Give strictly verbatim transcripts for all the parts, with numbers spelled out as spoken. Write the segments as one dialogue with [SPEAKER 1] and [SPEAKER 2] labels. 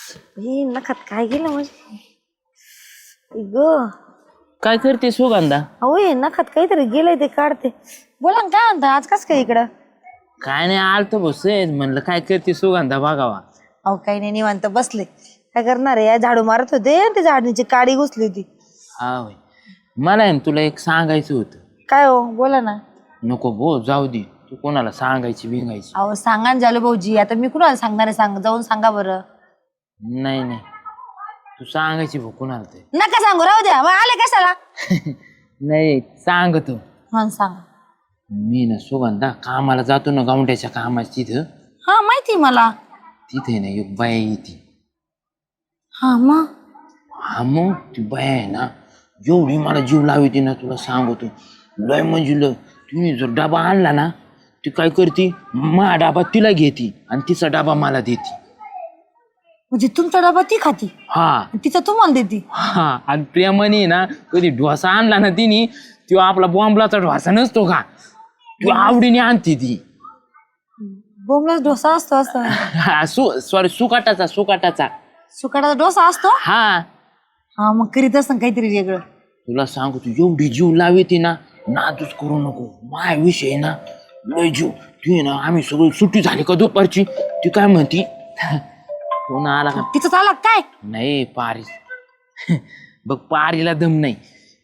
[SPEAKER 1] हे नखात काय गेलं म्हणजे ग
[SPEAKER 2] काय करते सुगंधा?
[SPEAKER 1] अहो हे नखात काहीतरी गेलंय ते काढते. बोला ना काय म्हणता आज कस काय इकडं?
[SPEAKER 2] काय नाही आलतो बस म्हणलं काय करते सुगंधा बघावा.
[SPEAKER 1] अहो काही नाही निवांत बसले. काय करणार आहे या झाडू मारत होते ते झाडणीची काडी घुसली होती.
[SPEAKER 2] हा होय. मला आहे ना तुला एक सांगायचं होतं.
[SPEAKER 1] काय हो बोला ना.
[SPEAKER 2] नको बो जाऊ दे तू कोणाला सांगायची बिंगायची.
[SPEAKER 1] अहो सांगा ना जालू भाऊजी आता मी कुणाला सांगणार आहे सांग जाऊन सांगा बरं.
[SPEAKER 2] नाही नाही तू सांगायची भाऊ कोणाला ते.
[SPEAKER 1] नका सांगू राहू द्या मग आले कशाला.
[SPEAKER 2] नाही सांगतो.
[SPEAKER 1] हा सांगा.
[SPEAKER 2] मी ना सुगंधा कामाला जातो ना गावंड्याच्या कामाच्या तिथं.
[SPEAKER 1] हा माहिती मला.
[SPEAKER 2] तिथे ना एक बाया येते.
[SPEAKER 1] हा मग
[SPEAKER 2] हा मग ती बाया आहे ना एवढी मला जीव लावते ना तुला सांगतो लय म्हणजे लय. तुम्ही जर डबा आणला ना ती काय करते मा डबा तिला घेते आणि तिचा डबा मला देते.
[SPEAKER 1] म्हणजे तुमचा डबा ती खाती
[SPEAKER 2] हा
[SPEAKER 1] तिचा तुम्हाला देते.
[SPEAKER 2] हा आणि प्रेमाने ना कधी डोसा आणला ना तिने तो आपला बॉम्बलाचा डोसा नसतो का तो आवडीने आणते ती.
[SPEAKER 1] बोंबलाच डोसा असतो असतो.
[SPEAKER 2] हा सु सॉरी सुकाटाचा सुकाटाचा
[SPEAKER 1] सुकाटाचा डोसा असतो.
[SPEAKER 2] हा
[SPEAKER 1] हा मग करीत असं काहीतरी वेगळं.
[SPEAKER 2] तुला सांगू तू एवढी जीव लावते ना नादूच करू नको. माय विषय ना लय जीव तू ना आम्ही सगळी सुट्टी झाली का दुपारची ती काय म्हणती कोण आला का
[SPEAKER 1] तिचं चालक काय
[SPEAKER 2] नाही पारी बघ पारीला दम नाही.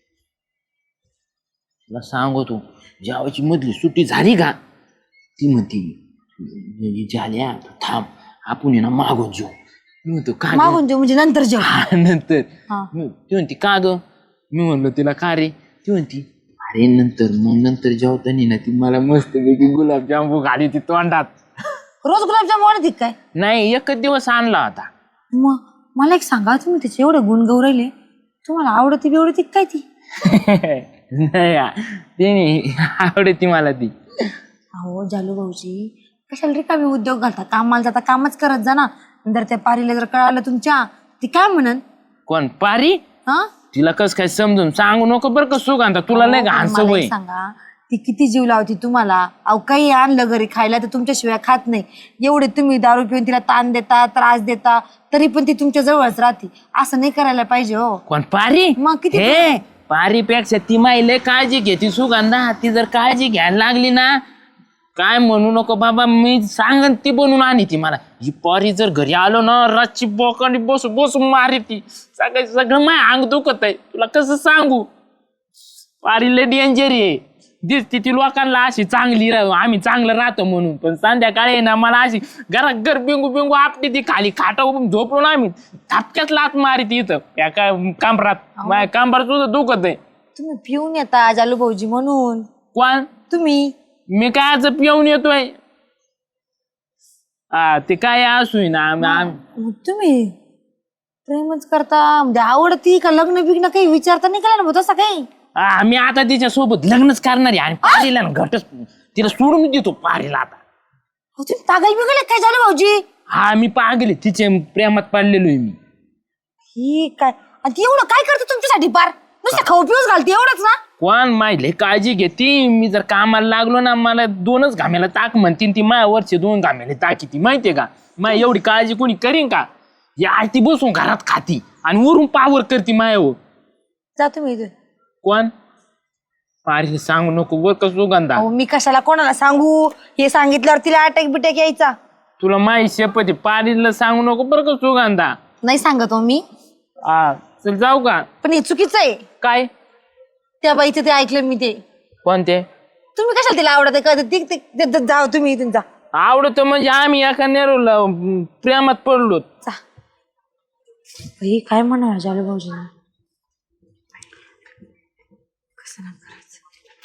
[SPEAKER 2] तुला सांगतो जेवायची मधली सुट्टी झाली का ती म्हणती झाल्या थांब आपण ना मागून जेऊ. मी म्हणतो का
[SPEAKER 1] मागून जेव म्हणजे नंतर जेव.
[SPEAKER 2] नंतर
[SPEAKER 1] हा.
[SPEAKER 2] ती म्हणती का ग मी म्हणलो तिला का रे ती म्हणती अरे नंतर मग नंतर जेवताना ना ती मला मस्तपैकी गुलाबजामू घाली ती तोंडात.
[SPEAKER 1] रोज गुलाबजाम आणते काय?
[SPEAKER 2] नाही एकच दिवस आणला होता.
[SPEAKER 1] मग मला एक सांगा तुम्ही त्याचे एवढे गुण गौरायले तुम्हाला आवडती बिवडती काय ती?
[SPEAKER 2] नाही ते नाही आवडती मला ती.
[SPEAKER 1] अहो जालू भाऊजी कशाला रिकामी उद्योग घालता कामाला जाता कामच करत जा ना. नंतर त्या पारीला जर कळालं तुमच्या ती काय म्हणन?
[SPEAKER 2] कोण पारी?
[SPEAKER 1] हा
[SPEAKER 2] तिला कस काय समजून सांगू नको बरं का सुगंधा तुला नाही घाण
[SPEAKER 1] मला
[SPEAKER 2] सवय.
[SPEAKER 1] एक सांगा ती किती जीव लावती तुम्हाला. अहो काही आणलं घरी खायला तर तुमच्याशिवाय खात नाही. एवढे तुम्ही दारू पिऊन तिला ताण देता त्रास देता तरी पण ती तुमच्या जवळच राहते. असं नाही करायला पाहिजे हो.
[SPEAKER 2] कोण पारी?
[SPEAKER 1] मग किती
[SPEAKER 2] हे पारीपेक्षा ती माई काळजी घेते सुगंधा. ती जर काळजी घ्यायला लागली ना काय म्हणू नको बाबा मी सांगन ती बनवून आणि ती मला. ही पारी जर घरी आलो ना रातची बोकांडी बसू बसू मारी ती सगळं सगळं माय अंग दुखत आहे. तुला कसं सांगू पारी लय डेंजर आहे. दिसती ती लोकांना अशी चांगली राहू आम्ही चांगलं राहतो म्हणून पण संध्याकाळी ना मला अशी घरात घर बिंगू बिंगू आपली ती खाली खाटा झोपलो ना आम्ही थापक्यात लात मारी ती इथं या काय कांबरात माझ्या कांबरात सुद्धा दुखत आहे.
[SPEAKER 1] तुम्ही पिऊन येता जालू भाऊजी म्हणून.
[SPEAKER 2] कोण?
[SPEAKER 1] तुम्ही.
[SPEAKER 2] मी काय आज पिऊन येतोय? हा ते काय असू ना
[SPEAKER 1] मग तुम्ही प्रेमच करता म्हणजे आवडती का लग्न बिग्न काही विचारता नाही केला ना तसं काही?
[SPEAKER 2] मी आता तिच्या सोबत लग्नच करणार आहे आणि पारीला ना घटच तिला सोडून देतो पारीला आता.
[SPEAKER 1] तुम्ही पागल बिगल काय झालं भाऊजी?
[SPEAKER 2] हा मी पागले तिच्या प्रेमात पडलेलो आहे मी.
[SPEAKER 1] ही काय आणि ती एवढं काय करते तुमच्यासाठी पार नुसतं खाऊ पिऊच घालते एवढंच ना?
[SPEAKER 2] कोण माहिती काळजी घेते. मी जर कामाला लागलो ना मला दोनच घामेला ताक म्हणतीन ती माया वरचे दोन घामेले ताकी ती माहितीये का. माय एवढी काळजी कोणी करीन का? या आरती बसून घरात खाती आणि वरून पावर करते मायावर.
[SPEAKER 1] जा तुम्ही इथे.
[SPEAKER 2] कोण? पारीला सांगू नको बर का सुगंधा.
[SPEAKER 1] अहो मी कशाला कोणाला सांगू? हे सांगितल्यावर तिला अटॅक बिटॅक यायचा.
[SPEAKER 2] तुला माहिती शपथ पारीला सांगू नको बर का सुगंधा.
[SPEAKER 1] नाही सांगत हो मी.
[SPEAKER 2] हा चल जाऊ का?
[SPEAKER 1] पण हे चुकीचं आहे.
[SPEAKER 2] काय?
[SPEAKER 1] त्या बाईचं ते ऐकलं मी ते.
[SPEAKER 2] कोणते? तुम्ही
[SPEAKER 1] कशाला तिला आवडत का? जाऊ तुम्ही इथून जा.
[SPEAKER 2] आवडत म्हणजे आम्ही एका नेरूला प्रेमात पडलो.
[SPEAKER 1] काय म्हणा जालू भाऊजी कसं ना करायचं.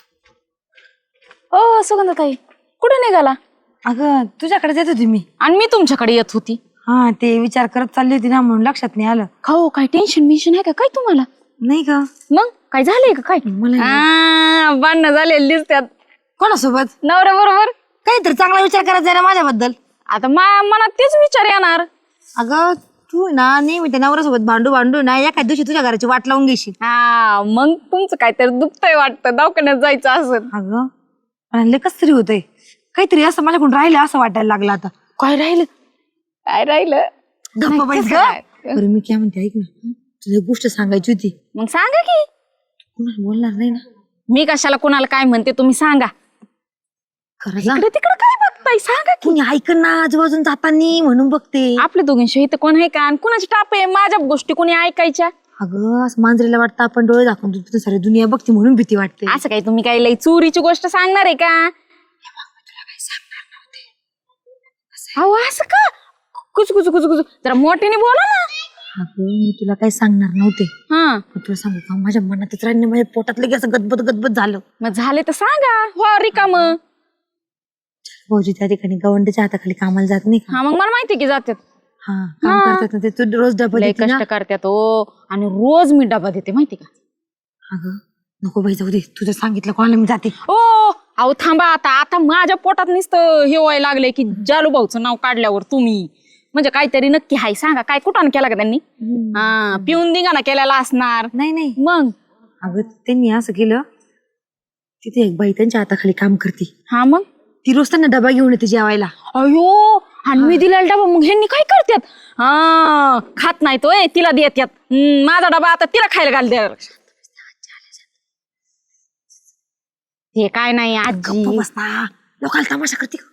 [SPEAKER 3] ओ सुगंधाताई कुठे निघाला?
[SPEAKER 1] अगं तुझ्याकडे येत होती मी.
[SPEAKER 3] आणि मी तुमच्याकडे येत होती.
[SPEAKER 1] हा ते विचार करत चालली होती ना म्हणून लक्षात नाही आलं.
[SPEAKER 3] खाऊ काय टेन्शन बिन्शन आहे का काय तुम्हाला?
[SPEAKER 1] नाही का?
[SPEAKER 3] मग काय झालंय का काय?
[SPEAKER 1] मला
[SPEAKER 3] भांडणं झालेली दिसतात.
[SPEAKER 1] कोणासोबत?
[SPEAKER 3] नवऱ्या बरोबर.
[SPEAKER 1] काहीतरी चांगला विचार करायचा ना माझ्याबद्दल.
[SPEAKER 3] आता माझ्या मनात तेच विचार येणार.
[SPEAKER 1] अगं तू ना नेहमी त्या नवऱ्यासोबत भांडू भांडू ना एखाद्या दिवशी तुझ्या घराची वाट लावून घेशील.
[SPEAKER 3] हा मग तुमचं काहीतरी दुखतंय वाटतं दवाखान्यात जायचं असं.
[SPEAKER 1] अगं आणि कस तरी होतंय काहीतरी असं माझ्याकडून राहिलं असं वाटायला लागलं आता.
[SPEAKER 3] काय राहिलं? काय राहिलं?
[SPEAKER 1] गप्पा बाईस
[SPEAKER 3] कसं
[SPEAKER 1] ग.
[SPEAKER 3] काय?
[SPEAKER 1] बरं मी काय म्हणते ऐक ना, तुला एक गोष्ट सांगायची होती.
[SPEAKER 3] मग सांगा की.
[SPEAKER 1] कुणाला बोलणार नाही ना?
[SPEAKER 3] मी कशाला कोणाला काय म्हणते तुम्ही सांगा.
[SPEAKER 1] खरं सांग.
[SPEAKER 3] इकडे तिकडे काय बघताय सांगा की.
[SPEAKER 1] कुणी ऐक ना आजूबाजून जातानी म्हणून बघते.
[SPEAKER 3] आपल्या दोघींशी इथं कोण आहे का आणि कोणाची टाप आहे माझ्या गोष्टी कोणी ऐकायच्या.
[SPEAKER 1] अगं असं मांजरीला वाटतं आपण डोळे दाखवून तुझं सारी दुनिया बघते म्हणून भीती वाटते.
[SPEAKER 3] असं काही तुम्ही काही लई चोरीची गोष्ट सांगणार आहे का. अहो असं का कुच कुच कुच कुच जरा मोठ्याने बोला ना.
[SPEAKER 1] अगं मी तुला काही सांगणार नव्हते,
[SPEAKER 3] हा
[SPEAKER 1] पण तुला सांगू का माझ्या मनातच राहिलं, माझ्या पोटात लगेच असं गदबद गदबद झालं.
[SPEAKER 3] मग झाले तर सांगा. हो रिकाम.
[SPEAKER 1] भाऊजी त्या ठिकाणी गवंडीच्या हाताखाली कामाला जात नाही का?
[SPEAKER 3] हा मग मला माहिती की जातात.
[SPEAKER 1] हा काम करतात ना ते, तू रोज डबा
[SPEAKER 3] लय
[SPEAKER 1] देते ना.
[SPEAKER 3] कष्ट करतात हो आणि रोज मी डबा देते माहिती का.
[SPEAKER 1] अगं नको बाई जाऊ दे, तुझं सांगितलं कोणाला मी जाते.
[SPEAKER 3] ओ अहो थांबा आता आता माझ्या पोटात नुसतं हे व्हायला लागलंय की जालू भाऊचं नाव काढल्यावर तुम्ही म्हणजे काहीतरी नक्की हाय सांगा. काय कुठं केला का त्यांनी. हा पिऊन दिंगाणा केलेला असणार.
[SPEAKER 1] नाही नाही
[SPEAKER 3] मग
[SPEAKER 1] अगं त्यांनी असं केलं, तिथे एक बाई त्यांच्या हाताखाली काम करते,
[SPEAKER 3] हा मग
[SPEAKER 1] ती रोज त्यांना डबा घेऊन येते जेवायला.
[SPEAKER 3] अयो आणि मी दिलेला डबा मग ह्यांनी काय करतात. हा खात नाही तो तिला देतात. हम्म, माझा डबा आता तिला खायला घाल द्या. हे काय नाही आजी.
[SPEAKER 1] गप्प बसता, लोकांना तमाशा करते का?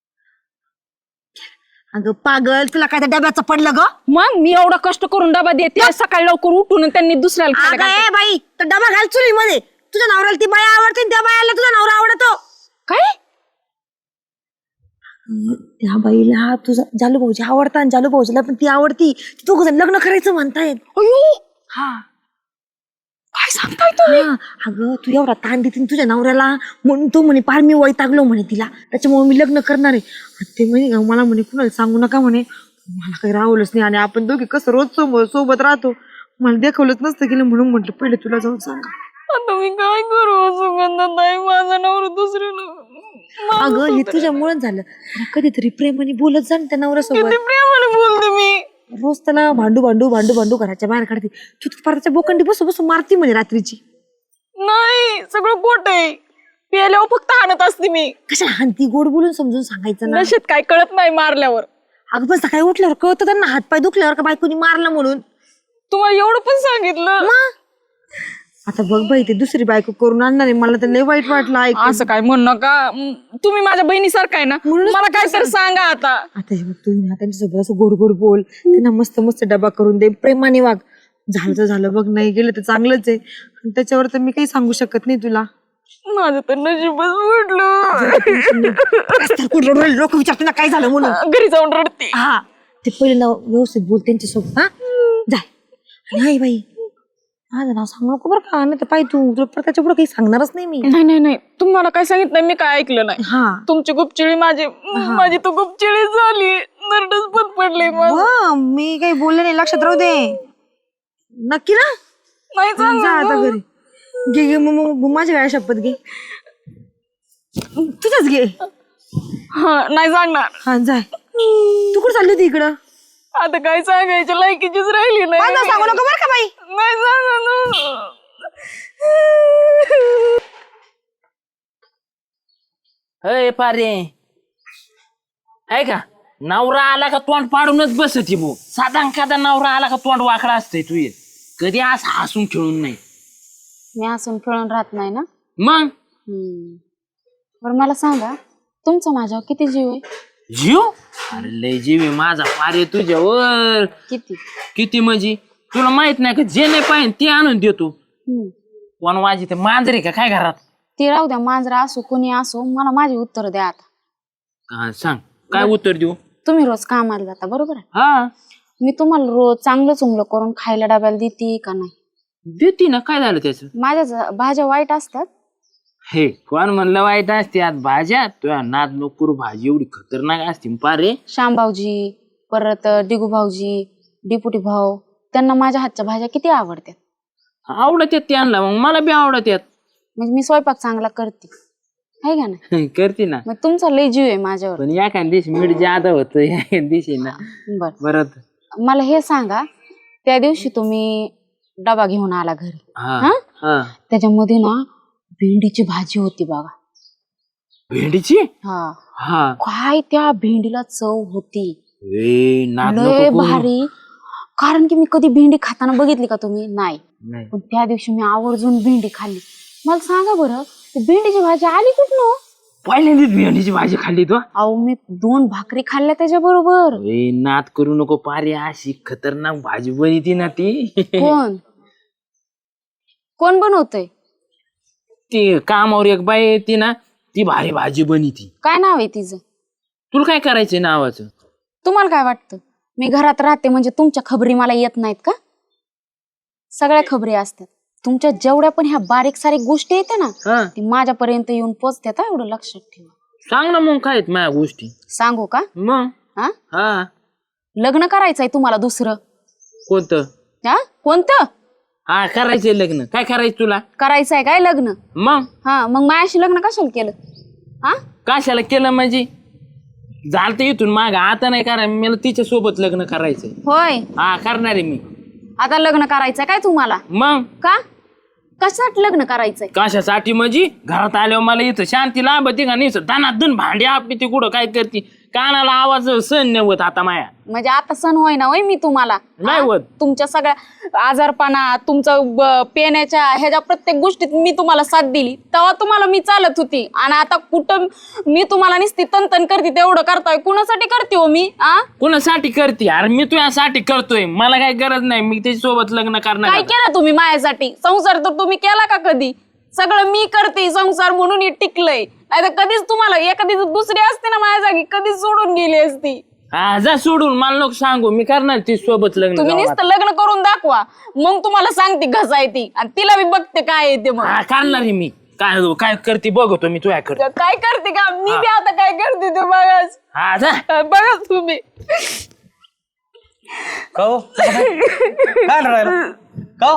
[SPEAKER 1] अगं पागल, तुला काय त्या डब्याचं पडलं ग?
[SPEAKER 3] मग मी एवढा कष्ट करून डबा देते सकाळी लवकर उठून आणि त्यांनी दुसऱ्याला खायला
[SPEAKER 1] अगं
[SPEAKER 3] घालतात.
[SPEAKER 1] ए बाई, तर डबा घाल चुली मध्ये. तुझ्या नवऱ्याला ती बाई आवडते आणि त्या बायाला तुझा नवरा आवडतो.
[SPEAKER 3] काय
[SPEAKER 1] त्या बाईला तुझा जालू भाऊजी आवडता आणि जालू भाऊजीला पण ती आवडती. दोघ जण लग्न करायचं म्हणतायत.
[SPEAKER 3] अयो
[SPEAKER 1] हा
[SPEAKER 3] काय सांगताय तुम्ही.
[SPEAKER 1] हा, अगं तू एवढा ताण देते तुझ्या नवऱ्याला म्हणून तो म्हणे पार मी वैतागलो म्हणे तिला, त्याच्यामुळे मी लग्न करणार आहे. आणि ते म्हणे मला म्हणे कुणाला सांगू नका म्हणे. मला काही राहवलंच नाही आणि आपण दोघे कसं रोज सोबत सोबत राहतो, मला दाखवलंच नसतं गेलं म्हणून म्हटलं पहिले तुला जाऊन सांगा.
[SPEAKER 3] आता मी काय करू सुगंधाताई माझा नवरा दुसऱ्याला.
[SPEAKER 1] अगं हे तुझ्यामुळेच झालं. कधीतरी प्रेमाने बोलत जा ना त्या नवऱ्यासोबत.
[SPEAKER 3] प्रेमाने बोलते मी.
[SPEAKER 1] रोज त्याला भांडू भांडू भांडू भांडू घराच्या बाहेर काढते. तू तर पाराच्या बोकंडी बसू बसू मारती म्हणे रात्रीची.
[SPEAKER 3] नाही सगळं खोट आहे. प्यायल्यावर फक्त हाणत असते मी.
[SPEAKER 1] कशा हानती, गोड बोलून समजून सांगायचं ना.
[SPEAKER 3] नशेत काय कळत नाही मारल्यावर.
[SPEAKER 1] अगं पण सकाळी उठल्यावर कळतं त्यांना हातपाय दुखल्यावर का बायकोनी मारलं म्हणून.
[SPEAKER 3] तुम्हाला एवढं पण सांगितलं.
[SPEAKER 1] आता बघ बाई ते दुसरी बायको करून आणणार आहे, मला तर लय वाईट वाटलं ऐकून.
[SPEAKER 3] असं काय म्हण नका. म, तुम्ही माझ्या बहिणीसारखा आहे ना मला काय तर सांगा आता.
[SPEAKER 1] आता हे बघ तू ना त्यांच्यासोबत असं गोड गोड बोल, त्यांना मस्त मस्त डबा करून दे, प्रेमाने वाग. झालं तर झालं बघ, नाही गेलं तर चांगलंच आहे. आणि त्याच्यावर तर मी काही सांगू शकत नाही तुला.
[SPEAKER 3] माझं तर नशीबच म्हटलं.
[SPEAKER 1] लोक विचारते ना काय झालं म्हणून.
[SPEAKER 3] घरी जाऊन रडते.
[SPEAKER 1] हा ते पहिले ना व्यवस्थित बोल त्यांच्यासोबत. हा जाय. आणि हाय बाई माझं नाव सांगू नको बरं का, नाही तर पाय तू तुला त्याच्या पुढे काही सांगणारच नाही मी.
[SPEAKER 3] नाही नाही नाही तुम्ही मला काय सांगितलं मी काय ऐकलं नाही.
[SPEAKER 1] हा
[SPEAKER 3] तुमची गुपचिळी माझी माझी तर गुपचिळी झाली. नरडच बंद पडले.
[SPEAKER 1] वा, मी काही बोलले नाही, लक्षात राहू दे. नक्की ना.
[SPEAKER 3] नाही
[SPEAKER 1] जा आता घरी. घे घे मग मग माझ्या वेळा शपथ घे, तुझ्याच घे.
[SPEAKER 3] हा नाही सांगणार.
[SPEAKER 1] हा जाय. तू कुठं चालली होती इकडं.
[SPEAKER 3] आता काय सांगायचं लायकीचीच राहिली नाही.
[SPEAKER 1] माझं सांगू नको बरं का बाई.
[SPEAKER 3] नाही सांगणार.
[SPEAKER 2] अय पारे ऐका, नवरा आला का तोंड पाडूनच बसती भो. साधा खादा नवरा आला का तोंड वाकडा असतंय तू. ये कधी असं हसून खेळून नाही.
[SPEAKER 3] मी हसून खेळून राहत नाही ना.
[SPEAKER 2] मग
[SPEAKER 3] बरं मला सांगा तुमचा माझ्यावर किती जीव आहे.
[SPEAKER 2] जीव अरे लय जीव आहे माझा पारे तुझ्यावर.
[SPEAKER 3] किती
[SPEAKER 2] किती म्हणजे तुला माहित नाही का, जे नाही पाहिजे ते आणून देतो. कोण वाजी ते मांजरे का काय घरात.
[SPEAKER 3] ते राहू द्या, मांजरा असो कोणी असो, मला माझी उत्तर द्या आता.
[SPEAKER 2] हा, सांग काय उत्तर देऊ.
[SPEAKER 3] तुम्ही रोज कामाला जाता बरोबर आहे.
[SPEAKER 2] हा
[SPEAKER 3] मी तुम्हाला रोज चांगलं चुंगलं करून खायला डब्याला देते का नाही.
[SPEAKER 2] देते ना, काय झालं त्याच.
[SPEAKER 3] माझ्या ज- भाज्या वाईट असतात.
[SPEAKER 2] हे कोण म्हणलं वाईट असते आज भाज्या. तुझ्या नाद नोकरू भाजी एवढी खतरनाक असते पारे.
[SPEAKER 3] श्याम भाऊजी परत डिगू भाऊजी डिपुटी भाऊ त्यांना माझ्या हातच्या भाज्या किती आवडतात.
[SPEAKER 2] आवडत येत त्यांना, मग मला बी आवडत येत.
[SPEAKER 3] म्हणजे मी स्वयंपाक चांगला करते आहे का नाही.
[SPEAKER 2] करते ना.
[SPEAKER 3] मग तुमचा लय जीव आहे माझ्यावर.
[SPEAKER 2] पण या काय दिवशी मीठ जादा होत या दिवशी ना.
[SPEAKER 3] बर
[SPEAKER 2] परत
[SPEAKER 3] मला हे सांगा, त्या दिवशी तुम्ही डबा घेऊन आला घरी.
[SPEAKER 2] हा
[SPEAKER 3] हा?
[SPEAKER 2] हा
[SPEAKER 3] त्याच्यामध्ये ना भेंडीची भाजी होती बघा.
[SPEAKER 2] भेंडीची.
[SPEAKER 3] हा
[SPEAKER 2] हा
[SPEAKER 3] काय त्या भेंडीला चव होती.
[SPEAKER 2] ए नाद
[SPEAKER 3] लय
[SPEAKER 2] नको करू.
[SPEAKER 3] भारी. कारण की मी कधी भेंडी खाताना बघितली का तुम्ही? नाही.
[SPEAKER 2] नाही.
[SPEAKER 3] पण त्या दिवशी मी आवर्जून भेंडी खाल्ली. मला सांगा बरं, ती भेंडीची भाजी आली कुठनं?
[SPEAKER 2] पहिल्यांदाच भेंडीची भाजी खाल्ली तो.
[SPEAKER 3] अहो मी दोन भाकरी खाल्ल्या त्याच्या बरोबर.
[SPEAKER 2] ए नाद करू नको पारे, अशी खतरनाक भाजी बनती ना ती.
[SPEAKER 3] कोण कोण बनवतय?
[SPEAKER 2] ती कामावर एक बाई येते ना, ती भारी भाजी बनती.
[SPEAKER 3] काय नाव आहे तिचं?
[SPEAKER 2] तुला काय करायचंय नावाचं?
[SPEAKER 3] तुम्हाला काय वाटतं मी घरात राहते म्हणजे तुमच्या खबरी मला येत नाहीत का? सगळ्या खबरी असतात. तुमच्या जेवढ्या पण ह्या बारीक सारीक गोष्टी येते ना,
[SPEAKER 2] हा
[SPEAKER 3] ती माझ्यापर्यंत येऊन पोचतात. एवढं लक्षात ठेवा.
[SPEAKER 2] सांग ना मग काय आहेत माझ्या गोष्टी.
[SPEAKER 3] सांगू का?
[SPEAKER 2] मग
[SPEAKER 3] हा
[SPEAKER 2] हा
[SPEAKER 3] लग्न करायचंय तुम्हाला दुसरं?
[SPEAKER 2] कोणतं?
[SPEAKER 3] हा कोणतं?
[SPEAKER 2] हा करायचंय लग्न. काय करायचं तुला?
[SPEAKER 3] करायचंय काय लग्न?
[SPEAKER 2] मग
[SPEAKER 3] हा मग मायाशी लग्न कशाला केलं? हा
[SPEAKER 2] कशाला केलं म्हणजे? झालं तर इथून माग, आता नाही करायचं. मला तिच्या सोबत लग्न करायचंय.
[SPEAKER 3] होय
[SPEAKER 2] हा करणार आहे मी.
[SPEAKER 3] आता लग्न करायचंय काय तुम्हाला?
[SPEAKER 2] मग
[SPEAKER 3] का कशासाठी लग्न करायचंय?
[SPEAKER 2] कशासाठी म्हणजे? घरात आल्यावर मला इथं शांती लाभते का नाही? धनाधन भांडी आपली ती कुठं काय करते, कानाला आवाज सहन नाही होत आता माया.
[SPEAKER 3] म्हणजे आता सण होय ना होय मी तुम्हाला?
[SPEAKER 2] नाही
[SPEAKER 3] हा?
[SPEAKER 2] होत.
[SPEAKER 3] तुमच्या सगळ्या आजारपणा, तुमचं ब- पेण्याच्या ह्याच्या प्रत्येक गोष्टीत मी तुम्हाला साथ दिली, तेव्हा तुम्हाला मी चालत होती. आणि आता कुठं मी तुम्हाला नुसती तनतन करते, तेवढं करताय कुणासाठी करते हो मी? आ
[SPEAKER 2] कुणासाठी करते? अरे मी तुझ्यासाठी करतोय, मला काही गरज नाही. मी त्याच्या सोबत लग्न करणार.
[SPEAKER 3] काय केलं तुम्ही माझ्यासाठी? संसार तर तुम्ही केला का कधी? सगळं मी करते संसार म्हणून हे टिकलंय. नाही तर कधीच तुम्हाला एखादी दुसरी असते ना माझ्या जागी, कधीच सोडून गेली असती.
[SPEAKER 2] हा जा सोडून, मला नको सांगू. मी करणार ती सोबत लग्न.
[SPEAKER 3] तुम्ही
[SPEAKER 2] गावात.
[SPEAKER 3] नुसतं लग्न करून दाखवा, मग तुम्हाला सांगते घसा येते आणि तिला मी बघते काय येते. मग
[SPEAKER 2] हा करणार आहे मी. काय काय करते बघतो मी तुझ्याकडे.
[SPEAKER 3] काय करते का मी बी आता काय करते ते बघाच.
[SPEAKER 2] हा जा.
[SPEAKER 3] बघा तुम्ही.
[SPEAKER 4] काहो काय राहिलं काहो?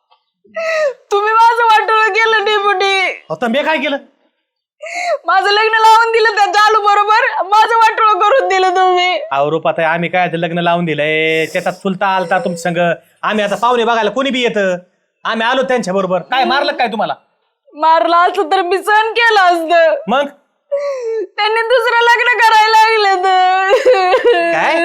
[SPEAKER 3] तुम्ही माझं वाटोळं केलं डेपुटी.
[SPEAKER 4] आता मी काय केलं?
[SPEAKER 3] माझं लग्न लावून दिलं त्या चालू बरोबर, माझं वाटोळं करून दिलं तुम्ही.
[SPEAKER 4] अहो रूपात आम्ही काय ते लग्न लावून दिलंय, त्याच्यात चुलता आलता तुमच्या संग. आम्ही आता पाहुणे बघायला कोणी बी येतं, आम्ही आलो त्यांच्या बरोबर. काय मारलं काय तुम्हाला?
[SPEAKER 3] मारला असतं तर मी सहन केलं असतं.
[SPEAKER 4] मग
[SPEAKER 3] त्यांनी दुसरं लग्न करायला लागलं तर
[SPEAKER 4] काय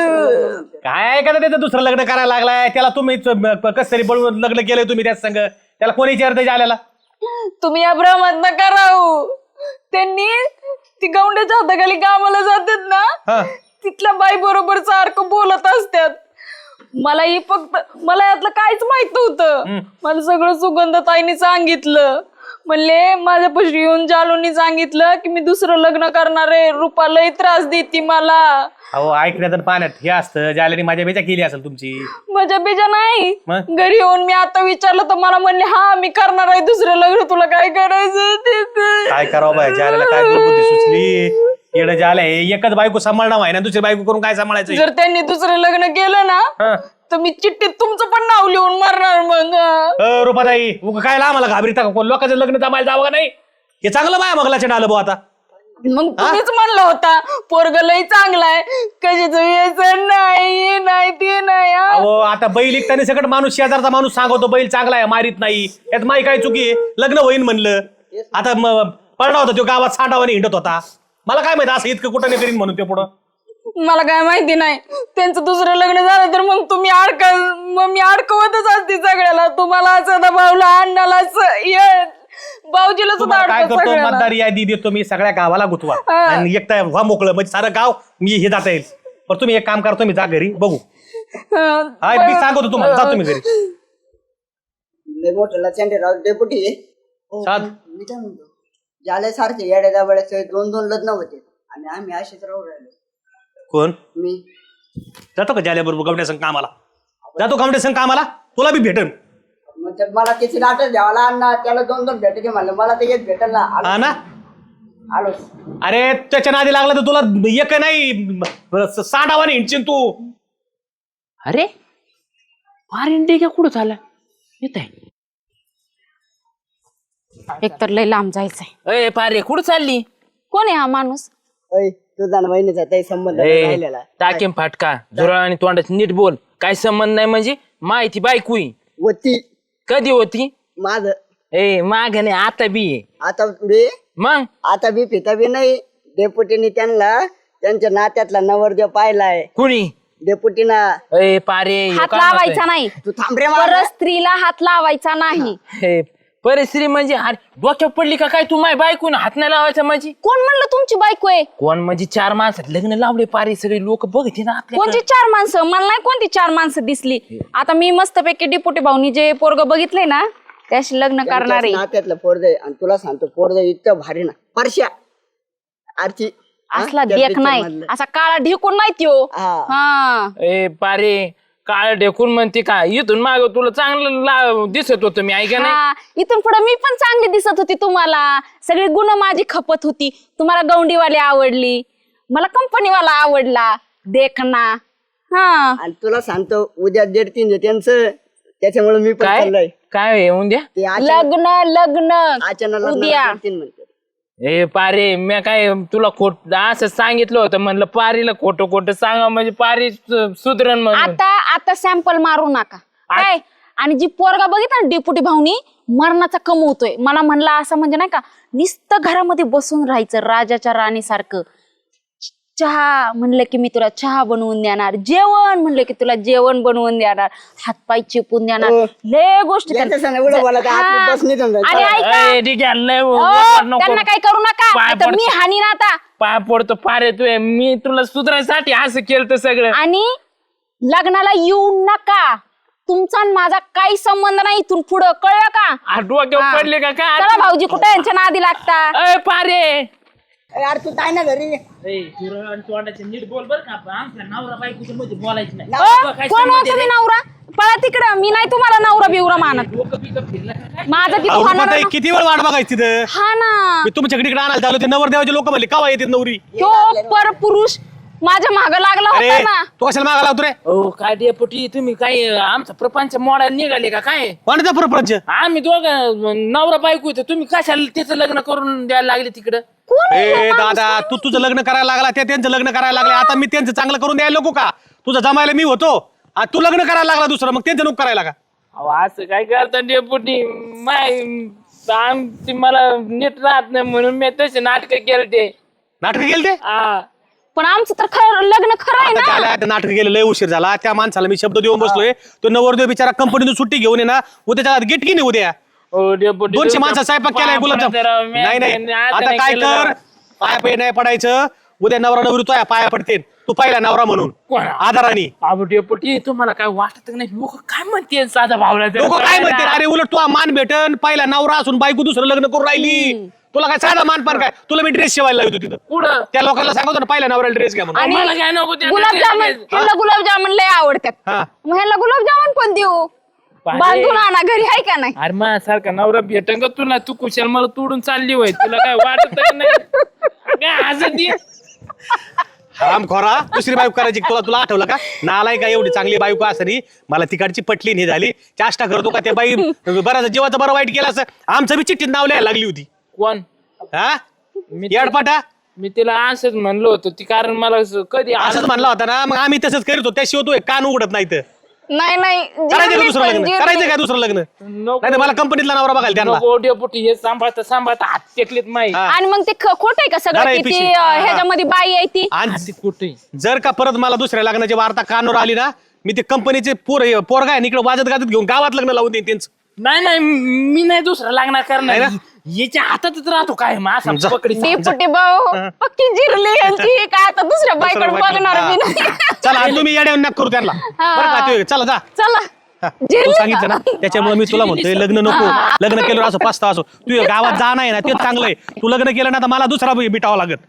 [SPEAKER 4] काय का त्याचं दुसरं लग्न करायला लागलाय? त्याला तुम्ही कस तरी बळून लग्न केलंय तुम्ही त्याच संग. त्याला कोणी विचारत आल्याला?
[SPEAKER 3] तुम्ही या भ्रमात नका राहू. त्यांनी ती गौंड्याच्या हाताखाली कामाला जातात ना,
[SPEAKER 4] हा
[SPEAKER 3] तिथल्या बाई बरोबर सारखं बोलत असतात. मला ही फक्त मला यातलं काहीच माहित नव्हतं. मला सगळं सुगंधताईने सांगितलं. म्हणले माझ्यापाशी येऊन जालूनी सांगितलं की मी दुसरं लग्न करणार आहे, रूपा लई त्रास देती मला.
[SPEAKER 4] अहो ऐकण्यात आणि पाण्यात हे असतं. ज्याला माझ्या बेचा केली असेल तुमची.
[SPEAKER 3] माझ्या बेजा नाही.
[SPEAKER 4] मग?
[SPEAKER 3] घरी येऊन मी आता विचारलं तर मला म्हणले हा मी करणार आहे दुसरं लग्न, तुला काय करायचं ते ते.
[SPEAKER 4] काय करावं बाय? ज्याला काय दुर्बुद्धी सुचली येडं झालंय. एकच बायको सांभाळणं व्हाय ना, दुसरी बायको करून काय सांभाळायचं?
[SPEAKER 3] जर त्यांनी दुसरं लग्न केलं ना
[SPEAKER 4] हा.
[SPEAKER 3] तर मी चिठ्ठीत तुमचं पण नाव लिहून मारणार. मग
[SPEAKER 4] अ, रूपाताई उगा काय आम्हाला घाबरीता का? कोण लोकांचं लग्न जमायला जावं का नाही? हे चांगलं बाय मगलाच्या डालं भाऊ. आता
[SPEAKER 3] मग तुम्हीच म्हणलं होता पोरग लई चांगला आहे, कशाच व्यसन नाही, हे नाही ते नाही. हा.
[SPEAKER 4] अहो आता बैल इकताना सगळं माणूस शेजारचा माणूस सांगतो बैल चांगला आहे, मारीत नाही. यात माई काय चुकी आहे? लग्न होईन म्हणलं. आता म- पडला होता तो गावात सांडावाने हिंडत होता. मला काय माहिती असं इतकं कुठं नाही करीन म्हणून ते पुढं.
[SPEAKER 3] मला काय माहिती नाही. त्यांचं दुसरं लग्न झालं तर मग तुम्ही अडक मग मी अडकवतच असते सगळ्याला. तुम्हाला असं दबावलं, अण्णाला भाऊजीला सुद्धा
[SPEAKER 4] तुम्हाला काय
[SPEAKER 3] अडकवत
[SPEAKER 4] करतो?
[SPEAKER 3] सगळ्याला.
[SPEAKER 4] मतदार यादी देतो मी सगळ्या गावाला गुतवा
[SPEAKER 3] हा.
[SPEAKER 4] आणि एकटा व्हा मोकळं, म्हणजे सारं गाव मी हे जाता येईल. पण तुम्ही एक काम करतो, मी जा घरी बघू.
[SPEAKER 3] हं.
[SPEAKER 4] हा मी सांगतो तुम्हाला, जा तुम्ही घरी.
[SPEAKER 5] लय मोठं चंडीराव डेपुटी
[SPEAKER 4] सात
[SPEAKER 5] मी काय म्हणतो, ज्याल्यासारखे येड्या दाबड्याचे दोन दोन लग्न होते आणि आम्ही असेच राहू राहिलो.
[SPEAKER 4] कोण
[SPEAKER 5] मी
[SPEAKER 4] जातो का ज्याल्या बरोबर गमड्या संग कामाला? जातो गमड्या संग कामाला? तुला बी भेटन.
[SPEAKER 5] मग ते मला त्याची लाटच द्यावा ना, त्याला दोन दोन भेटायचे म्हणलं, मला ते एक भेटल ना.
[SPEAKER 4] हा ना?
[SPEAKER 5] आलो
[SPEAKER 4] अरे त्याच्या नादी लागला तर तुला एक नाही साठावाने हिंडशील तू.
[SPEAKER 2] अरे पारिंडे का कुठं झाला? येत आहे.
[SPEAKER 3] एकतर लय लांब जायचंय.
[SPEAKER 2] अय पारे कुठं चालली?
[SPEAKER 3] कोण आहे हा माणूस?
[SPEAKER 5] तुझा बहिणीचा काही संबंध
[SPEAKER 2] ए,
[SPEAKER 5] राहिलेला.
[SPEAKER 2] टाकेम फाटका झुरळ आणि तोंडाची नीट बोल. काय संबंध नाही म्हणजे? माहिती बायकुई
[SPEAKER 5] होती
[SPEAKER 2] कधी होती?
[SPEAKER 5] माझ
[SPEAKER 2] ए माग नाही आता बी आहे.
[SPEAKER 5] आता बी
[SPEAKER 2] मग
[SPEAKER 5] आता बी पिता बी नाही. डेपुटीने त्यांना त्यांच्या नात्यातला नवरदेव पाहिलाय
[SPEAKER 2] कुणी
[SPEAKER 5] डेपुटीना.
[SPEAKER 2] ए पारे ह्यो
[SPEAKER 3] हात
[SPEAKER 2] काय
[SPEAKER 3] लावायचा नाही
[SPEAKER 5] तू थांब रे
[SPEAKER 3] परत
[SPEAKER 5] मला.
[SPEAKER 3] स्त्रीला हात लावायचा नाही.
[SPEAKER 2] म्हणतोय? हे परिस्थिती म्हणजे अरे डोक्यात पडली का काय तू माय बायकून हात नाही लावायचा माझी.
[SPEAKER 3] कोण म्हणलं तुमची बायको आहे?
[SPEAKER 2] कोण म्हणजे चार माणसात लग्न लावले पारे सगळे लोक बघते ना आपल्या
[SPEAKER 3] कोणती चार माणसं? मला नाही कोणती चार माणसं दिसली. आता मी मस्तपैकी डिपुटी भाऊनी जे पोरग बघितलंय ना त्याशी लग्न करणार
[SPEAKER 5] त्यांच्याच
[SPEAKER 3] आहे.
[SPEAKER 5] नात्यातलं पोरग आणि तुला सांगतो पोरग इतकं भारी ना परश्या आरची हा?
[SPEAKER 3] असला
[SPEAKER 5] त्या
[SPEAKER 3] देख
[SPEAKER 5] picture
[SPEAKER 3] नाही
[SPEAKER 5] मधलं.
[SPEAKER 3] असा काळा ढिकून नाही त्यो.
[SPEAKER 5] हा.
[SPEAKER 3] हा
[SPEAKER 2] ए पारे काळ ढेकून म्हणते काय इथून माग तुला चांगलं ला- दिसत होतं मी ऐका नाही.
[SPEAKER 3] हा इथून पुढे मी पण चांगली दिसत होती तुम्हाला. सगळी गुण माझी खपत होती. तुम्हाला गौंडीवाली आवडली, मला कंपनीवाला आवडला देखना. हा
[SPEAKER 5] आणि तुला सांगतो उद्या डेट तीन आहे त्यांचं त्याच्यामुळे मी पण
[SPEAKER 2] काय
[SPEAKER 5] चाललोय.
[SPEAKER 2] काय येऊन द्या
[SPEAKER 5] ते अचानक
[SPEAKER 3] लग्न लग्न
[SPEAKER 5] अचानक
[SPEAKER 3] उद्या.
[SPEAKER 5] डेट तीन म्हणते.
[SPEAKER 2] ए पारे मी काय तुला खोट असं सांगितलं होतं म्हणलं पारीला खोटं खोटं सांगा म्हणजे पारी सु- सुधरण म्हणून.
[SPEAKER 3] आता आता सॅम्पल मारू नका काय. आणि जी पोरगा बघितला ना डेपुटी भाऊनी मरणाचा कमवतोय. मला म्हणला असं म्हणजे नाही का नुसतं घरामध्ये बसून राहायचं राजाच्या राणीसारखं. चहा म्हणलं की मी तुला चहा बनवून देणार, जेवण म्हणलं की तुला जेवण बनवून देणार, हातपाय चिपून देणार,
[SPEAKER 5] हो.
[SPEAKER 3] लय गोष्टी
[SPEAKER 5] यांच्या
[SPEAKER 3] त्यांना-
[SPEAKER 5] संग एवढं बोलायचं, आपली
[SPEAKER 3] हा.
[SPEAKER 5] बस निघून जाईल.
[SPEAKER 3] आणि ऐका
[SPEAKER 2] ए, ठीक आहे लय
[SPEAKER 3] हो,
[SPEAKER 2] वाट नको.
[SPEAKER 3] त्यांना काही करू नका
[SPEAKER 2] पाय
[SPEAKER 3] नाहीतर मी
[SPEAKER 2] पडतो.
[SPEAKER 3] हानी ना आता.
[SPEAKER 2] पाय पडतो पारे तू मी तुला सुधारायसाठी असं केलं तर सगळं.
[SPEAKER 3] आणि लग्नाला येऊ नका. तुमचा आणि माझा काही संबंध नाही इथून पुढं, कळलं का?
[SPEAKER 2] आ, डोक्यावर
[SPEAKER 3] हा.
[SPEAKER 2] पडले का काय
[SPEAKER 3] चला भाऊजी कुठे यांच्या नादी लागता.
[SPEAKER 2] ए पारे
[SPEAKER 5] ए, यार तू काय ना घरी
[SPEAKER 2] नीट बोल बर का आमच्या नवरा बायकोच्या मध्ये बोलायचं नाही.
[SPEAKER 3] अ, कोण हो तुम्ही नवरा? पळा तिकडं. मी नाही तुम्हाला नवरा बिवरा मानत. माझा तिथं
[SPEAKER 4] अहो,
[SPEAKER 3] होणार
[SPEAKER 4] रुपाताई,
[SPEAKER 3] ना.
[SPEAKER 4] किती वेळ वाट बघायची तिथं
[SPEAKER 3] हा ना
[SPEAKER 4] मी तुमच्याकडे इकडे आणायला चालू ते नवरदेवाचे लोक म्हणले कवा येते नवरी.
[SPEAKER 3] तो पर पुरुष माझ्या माग लागला
[SPEAKER 4] अरे
[SPEAKER 3] होता ना.
[SPEAKER 4] तू कशाला मागा लावतो रे
[SPEAKER 2] हो काय डेपुटी तुम्ही काय आमचा प्रपंच मोडायला निघाले का काय?
[SPEAKER 4] कोणाचा प्रपंच
[SPEAKER 2] आम्ही दोघं नवरा बायको इथं तुम्ही कशाला त्याचं लग्न करून द्यायला लागले तिकडं?
[SPEAKER 3] कोण आहे
[SPEAKER 4] ए
[SPEAKER 3] हा माणूस?
[SPEAKER 4] दादा तू तुझं लग्न करायला लागला त्या त्यांचं लग्न करायला लागले आता मी त्यांचं चांगलं करून द्यायला नको का? तुझं जमायला मी होतो आणि तू लग्न करायला लागला दुसरं मग त्यांचं नको करायला का?
[SPEAKER 2] अहो, असं काय करता डेपुटी माय आमची मला नीट राहत नाही म्हणून मी तसे नाटक केलं ते.
[SPEAKER 4] नाटक केलं ते
[SPEAKER 2] हा
[SPEAKER 3] पण आमचं तर खरं लग्न खरं आहे
[SPEAKER 4] आता
[SPEAKER 3] ना.
[SPEAKER 4] त्याला आता नाटक गेलं लय उशीर झाला त्या माणसाला मी शब्द देऊन बसलोय तो नवरदेव बिचारा कंपनीतून सुट्टी घेऊन ये ना उद्याच्या आत गेट की नाही उद्या
[SPEAKER 2] हो डेपुटी
[SPEAKER 4] दोनशे माणसं स्वयंपाक केलाय गुलाबजाम नाही नाही आता काय कर पाया पाय नाही पडायचं उद्या नवरा नवरी तो पाया पडते तू पाहिला नवरा म्हणून
[SPEAKER 2] कोण?
[SPEAKER 4] आधाराने
[SPEAKER 2] अहो डेपुटी तुम्हाला काय वाटत नाही लोक काय म्हणते साधा भावला
[SPEAKER 4] लोक काय म्हणते अरे उलट तू मान भेटन पहिला नवरा असून बायको दुसरं लग्न करून राहिली तुला काय साधा मान पण काय तुला मी ड्रेस शिवायला लावतो तिथं
[SPEAKER 2] पुढं
[SPEAKER 4] त्या लोकांना सांगतो ना पहिला नवऱ्याला ड्रेस घ्या म्हणून
[SPEAKER 3] आणि
[SPEAKER 2] मला काय नको त्या
[SPEAKER 3] गुलाबजामुन
[SPEAKER 2] ड्रेसमध्ये.
[SPEAKER 3] ह्याला गुलाबजामुन लय आवडतात.
[SPEAKER 4] हा
[SPEAKER 3] मग ह्याला गुलाबजामुन पण देऊ.
[SPEAKER 2] पारे.
[SPEAKER 3] बांधून आणा घरी आहे का नाही.
[SPEAKER 2] अरे मा सारखा नवरा भेटन का तुला तू कुशाल मला तोडून चालली होय तुला काय वाटत नाही काय हसत ये?
[SPEAKER 4] हराम खोरा दुसरी बायको करायची तुला तुला आठवलं का नालाय का एवढी चांगली बायको असरी मला तिकडची पटली नाही झाली चाष्टा करतो का त्या बाई बराच जीवाचं बरं वाईट केलं असं आमचं बी चिठ्ठीत नाव लिहायला लागली होती
[SPEAKER 2] कोण
[SPEAKER 4] हा
[SPEAKER 2] मी
[SPEAKER 4] येडपाटा
[SPEAKER 2] मी तिला असंच म्हणलो होतो ती कारण मला असं कधी
[SPEAKER 4] असंच म्हणला होता ना मग आम्ही तसंच करीत होतो त्याशिवाय तो एक कान उघडत नाही तर
[SPEAKER 3] नाही नाही
[SPEAKER 4] करायचं का
[SPEAKER 3] जिरली
[SPEAKER 4] दुसरं
[SPEAKER 3] पण,
[SPEAKER 4] लग्न
[SPEAKER 3] जिरली.
[SPEAKER 4] करायचं का दुसरं लग्न
[SPEAKER 2] नको
[SPEAKER 4] नाही मला कंपनीतला नवरा बघायला त्यांना
[SPEAKER 2] नको डेपुटी हे सांभाळता सांभाळता हात टेकलेत माही
[SPEAKER 4] हा.
[SPEAKER 3] आणि मग ते ख- खोटं आहे का
[SPEAKER 4] जरा
[SPEAKER 3] सगळं
[SPEAKER 4] हे
[SPEAKER 3] की ती
[SPEAKER 4] पिशवी.
[SPEAKER 3] अं, ह्याच्यामध्ये बाई आहे ती.
[SPEAKER 4] आणि
[SPEAKER 2] हाती कुठे
[SPEAKER 4] जर का परत मला दुसऱ्या लग्नाची वार्ता कानावर आली ना मी ते कंपनीचे पोर पोरगा आहे इकडे वाजत गाजत घेऊन गावात लग्न लावून देईन त्यांचं
[SPEAKER 2] नाही नाही मी नाही दुसरं लागणार
[SPEAKER 4] नाही
[SPEAKER 2] करणार
[SPEAKER 4] ना?
[SPEAKER 2] याच्या हातातच राहतो काय मग
[SPEAKER 4] जा.
[SPEAKER 2] असा पकडी
[SPEAKER 3] डेपुटी भाऊ पक्की जिरली यांची काय आता दुसऱ्या बाईकडे
[SPEAKER 4] दुसरं
[SPEAKER 3] बघणार मी
[SPEAKER 4] हा.
[SPEAKER 3] नाही.
[SPEAKER 4] चला आणि तुम्ही येड्या नक करू त्यांना बरं का ते चला जा
[SPEAKER 3] चला
[SPEAKER 4] हा, तू
[SPEAKER 3] जिरली
[SPEAKER 4] सांगितलं ना
[SPEAKER 3] का?
[SPEAKER 4] त्याच्यामुळे मी तुला म्हणतोय लग्न नको लग्न केलं असं पाचता असो तू गावात जा नाही ना तेच चांगलं आहे तू लग्न केलं ना तर मला दुसरा बिटावं लागत